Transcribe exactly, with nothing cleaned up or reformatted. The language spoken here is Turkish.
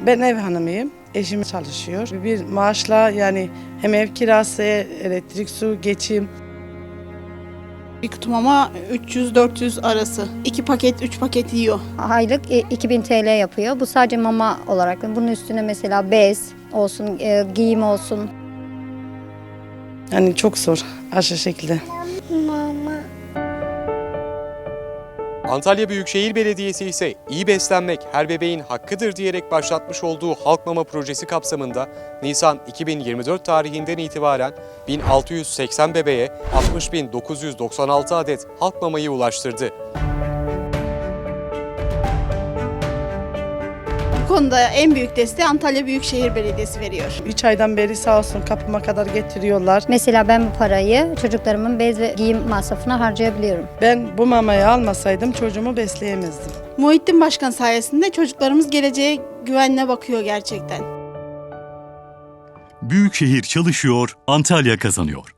Ben ev hanımıyım. Eşim çalışıyor. Bir maaşla yani hem ev kirası, elektrik, su, geçim. Bir kutu mama üç yüz dört yüz arası. iki paket, üç paket yiyor. Aylık e, iki bin T L yapıyor. Bu sadece mama olarak. Bunun üstüne mesela bez olsun, e, giyim olsun. Yani çok zor aşırı şekilde. Antalya Büyükşehir Belediyesi ise iyi beslenmek her bebeğin hakkıdır diyerek başlatmış olduğu Halk Mama projesi kapsamında Nisan iki bin yirmi dört tarihinden itibaren bin altı yüz seksen bebeğe altmış bin dokuz yüz doksan altı adet halk mamayı ulaştırdı. Bu konuda en büyük desteği Antalya Büyükşehir Belediyesi veriyor. Üç aydan beri sağ olsun kapıma kadar getiriyorlar. Mesela ben bu parayı çocuklarımın bez ve giyim masrafına harcayabiliyorum. Ben bu mamayı almasaydım çocuğumu besleyemezdim. Muhittin Başkan sayesinde çocuklarımız geleceğe güvenle bakıyor gerçekten. Büyükşehir çalışıyor, Antalya kazanıyor.